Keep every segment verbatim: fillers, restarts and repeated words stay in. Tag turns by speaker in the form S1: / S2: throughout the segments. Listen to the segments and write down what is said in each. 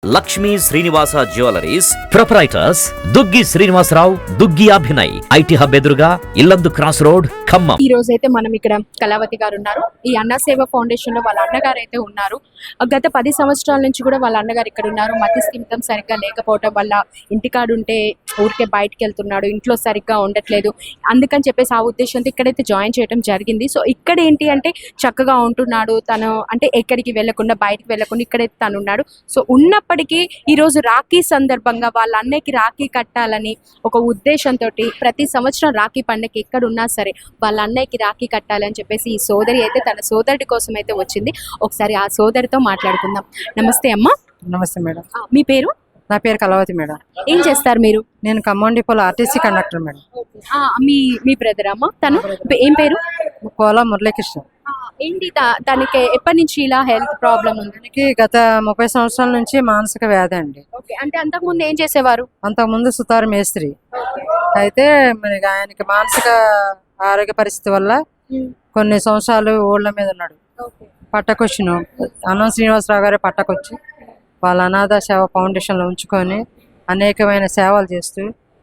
S1: Lakshmi Srinivasa jewelleries proprietors Duggi Srinivasarao, Duggi Abhinay, IT hub ఎదురుగా Yellandu cross road, Khammam.
S2: ఈ రోజు అయితే మనం ఇక్కడ కళావతి గారు ఉన్నారు. ఈ అన్న సేవ ఫౌండేషన్ లో వాళ్ళ అన్నగారు అయితే ఉన్నారు. గత పది సంవత్సరాల నుంచి కూడా వాళ్ళ అన్నగారు ఇక్కడ ఉన్నారు. మతి స్థిమితం సరిగ్గా లేకపోవటం వల్ల ఇంటికాడుంటే ఊరికే బయటకు వెళ్తున్నాడు, ఇంట్లో సరిగ్గా ఉండట్లేదు. అందుకని చెప్పేసి ఆ ఉద్దేశంతో ఇక్కడైతే జాయిన్ చేయడం జరిగింది. సో ఇక్కడ ఏంటి అంటే చక్కగా ఉంటున్నాడు తను, అంటే ఎక్కడికి వెళ్లకుండా బయటకు వెళ్లకుండా ఇక్కడైతే తను ఉన్నాడు. సో ఉన్నప్పటికీ ఈరోజు రాఖీ సందర్భంగా వాళ్ళ అన్నయ్యకి రాఖీ కట్టాలని ఒక ఉద్దేశంతో ప్రతి సంవత్సరం రాఖీ పండుగ ఎక్కడ ఉన్నా సరే వాళ్ళ అన్నయ్యకి రాఖీ కట్టాలి అని చెప్పేసి ఈ సోదరి అయితే తన సోదరుడి కోసం అయితే వచ్చింది. ఒకసారి ఆ సోదరితో మాట్లాడుకుందాం. నమస్తే అమ్మ.
S3: నమస్తే మేడం.
S2: మీ పేరు?
S3: నా పేరు కళావతి మేడం.
S2: ఏం చేస్తారు మీరు?
S3: నేను ఖమ్మం డిపోలో ఆర్టీసీ కండక్టర్ మేడం.
S2: ఆ, మీ మీ బ్రదర్ అమ్మ? తను ఏం పేరు?
S3: కోలా మురళీకృష్ణ.
S2: ఆ, ఏంటి త- తనకి ఎప్పటి నుంచి ఇలా హెల్త్ ప్రాబ్లం ఉంది?
S3: తనకి గత ముప్పై సంవత్సరాల నుంచి మానసిక వ్యాధి అండి.
S2: ఓకే, అంటే అంతకు ముందు ఏం చేసేవారు?
S3: అంతకుముందు సుతారు మేస్త్రి. అయితే మరి ఆయనకి మానసిక ఆరోగ్య పరిస్థితి వల్ల కొన్ని సంవత్సరాలు ఊళ్ళ మీద ఉన్నాడు. పట్టకొచ్చును అన్నం శ్రీనివాసరావు గారి పట్టకొచ్చి వాళ్ళ అనాథ సేవ ఫౌండేషన్లో ఉంచుకొని అనేకమైన సేవలు చేస్తూ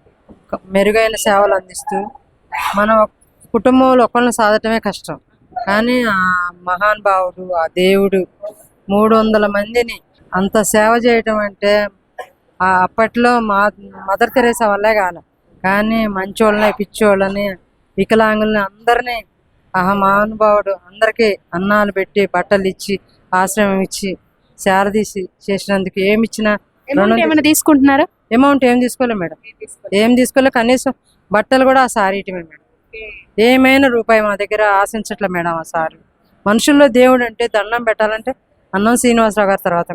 S3: మెరుగైన సేవలు అందిస్తూ మన కుటుంబంలో ఒకరిని సాధటమే కష్టం, కానీ ఆ మహానుభావుడు ఆ దేవుడు మూడు వందల మందిని అంత సేవ చేయటం అంటే ఆ అప్పట్లో మా మదర్ తెరేసా వల్లే కాదు, కానీ మంచోళ్ళని పిచ్చోళ్ళని వికలాంగుల్ని అందరినీ ఆ మహానుభావుడు అందరికీ అన్నాలు పెట్టి బట్టలు ఇచ్చి ఆశ్రమం ఇచ్చి శారదీసి చేసినందుకు ఏమి ఇచ్చినా
S2: Amount ఏమైనా తీసుకుంటున్నారా?
S3: అమౌంట్ ఏం తీసుకోలేదు మేడం, ఏం తీసుకోలేదు. కనీసం బట్టలు కూడా ఆ సారీ ఇటమే మేడం. ఏమైనా రూపాయి మా దగ్గర ఆశించట్లే మేడం. ఆ సారీ మనుషుల్లో దేవుడు అంటే దండం పెట్టాలంటే అన్నం శ్రీనివాసరావు గారి తర్వాత.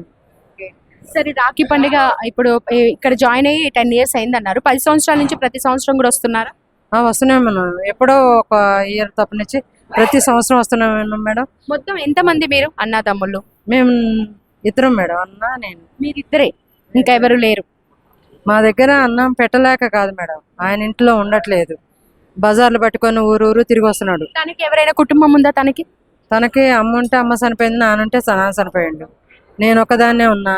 S2: సరే, రాఖీ పండుగ ఇప్పుడు ఏ- ఇక్కడ జాయిన్ అయ్యి టెన్ ఇయర్స్ అయింది అన్నారు. పది సంవత్సరాల నుంచి ప్రతి సంవత్సరం కూడా వస్తున్నారా?
S3: ఆ, వస్తున్నాం మనం. ఎప్పుడో ఒక ఇయర్ తప్పనిచ్చి ప్రతి సంవత్సరం వస్తున్నాం మేడం.
S2: మొత్తం ఎంత మంది మీరు అన్న తమ్ముళ్ళు?
S3: మేము ఇద్దరం మేడం, అన్న నేను.
S2: మీరిద్దరే, ఇంకా ఎవరు లేరు?
S3: మా దగ్గర అన్నం పెట్టలేక కాదు మేడం, ఆయన ఇంట్లో ఉండట్లేదు, బజార్లు పట్టుకొని ఊరు ఊరు తిరిగి వస్తున్నాడు.
S2: తనకి ఎవరైనా కుటుంబం ఉందా? తనకి
S3: తనకి అమ్మ ఉంటే అమ్మ చనిపోయింది, నానుంటే నాన్న చనిపోయిండు. నేను ఒకదాన్నే ఉన్నా.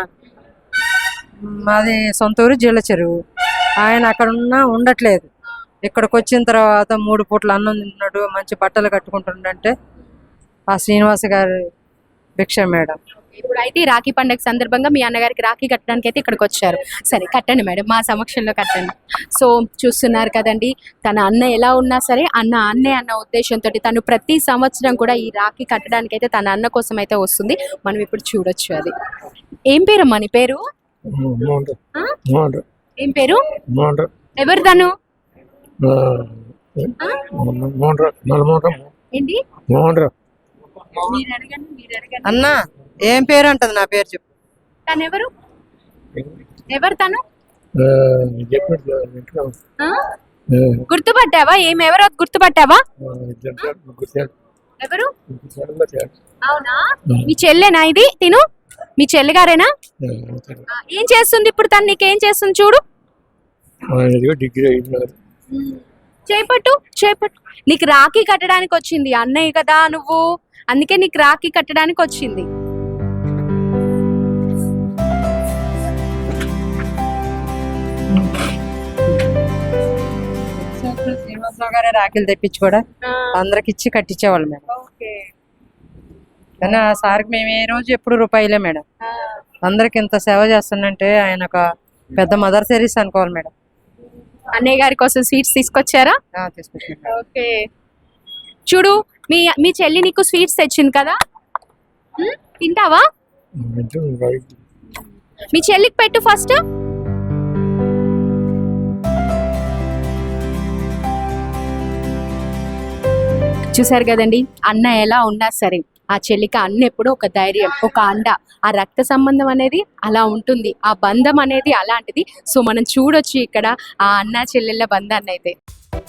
S3: మాది సొంత ఊరు జీళ్ళ చెరువు. ఆయన అక్కడ ఉన్నా ఉండట్లేదు. ఇక్కడికి వచ్చిన తర్వాత మూడు పూట్ల అన్నం తింటున్నాడు, మంచి బట్టలు కట్టుకుంటుండంటే ఆ శ్రీనివాస గారి భిక్ష మేడం.
S2: ఇప్పుడు అయితే ఈ రాఖీ పండుగ సందర్భంగా మీ అన్నగారికి రాఖీ కట్టడానికి అయితే ఇక్కడికి వచ్చారు. సరే, కట్టండి మేడం, మా సమక్షంలో కట్టండి. సో చూస్తున్నారు కదండి, తన అన్న ఎలా ఉన్నా సరే అన్న అన్నే అన్న ఉద్దేశంతో తను ప్రతి సంవత్సరం కూడా ఈ రాఖీ కట్టడానికి అయితే తన అన్న కోసం అయితే వస్తుంది. మనం ఇప్పుడు చూడొచ్చు. అది ఏం పేరమ్మా నీ పేరు? ఆ? ఏం పేరు? ఎవరు తను? ఏంటి? మీరు అడగండి, మీరు అడగండి.
S3: అన్న ఏం పేరు అంటది? నా పేరు చెప్పు.
S2: తను ఎవరు? ఎవరు తను? ఆ? గుర్తుపట్టావా? ఏం ఎవరో గుర్తుపట్టావా? ఎవరు? అవునా, మీ చెల్లెనా ఇది? తిను మీ చెల్లి గారేనా? ఆ, ఏం చేస్తుంది ఇప్పుడు తను? నీకేం చేస్తుంది చూడు. చేపట్టు చేపట్టు. నీకు రాఖీ కట్టడానికి వచ్చింది అన్నయ్య కదా నువ్వు, అందుకే నీకు రాఖీ కట్టడానికి వచ్చింది.
S3: శ్రీనివాసరావు గారే రాఖీలు తెప్పించి కూడా అందరికి ఇచ్చి కట్టించేవాళ్ళు మేడం. కానీ ఆ సార్కి మేము ఏ రోజు ఎప్పుడు రూపాయలే మేడం. అందరికి ఇంత సేవ చేస్తుందంటే ఆయన ఒక పెద్ద మదర్ తెరీసా అనుకోవాలి మేడం.
S2: అన్నయ్య గారి కోసం స్వీట్స్ తీసుకొచ్చారా?
S3: తీసుకొచ్చాను.
S2: ఓకే, చూడు మీ మీ చెల్లి నీకు స్వీట్స్ తెచ్చింది కదా, ఉమ్, తింటావా? మీ చెల్లికి పెట్టు ఫస్ట్. చూసారు కదండి, అన్న ఎలా ఉన్నా సరే ఆ చెల్లికి అన్న ఎప్పుడు ఒక ధైర్యం, ఒక అండ. ఆ రక్త సంబంధం అనేది అలా ఉంటుంది, ఆ బంధం అనేది అలాంటిది. సో మనం చూడొచ్చు ఇక్కడ ఆ అన్న చెల్లెళ్ళ బంధాన్ని అయితే.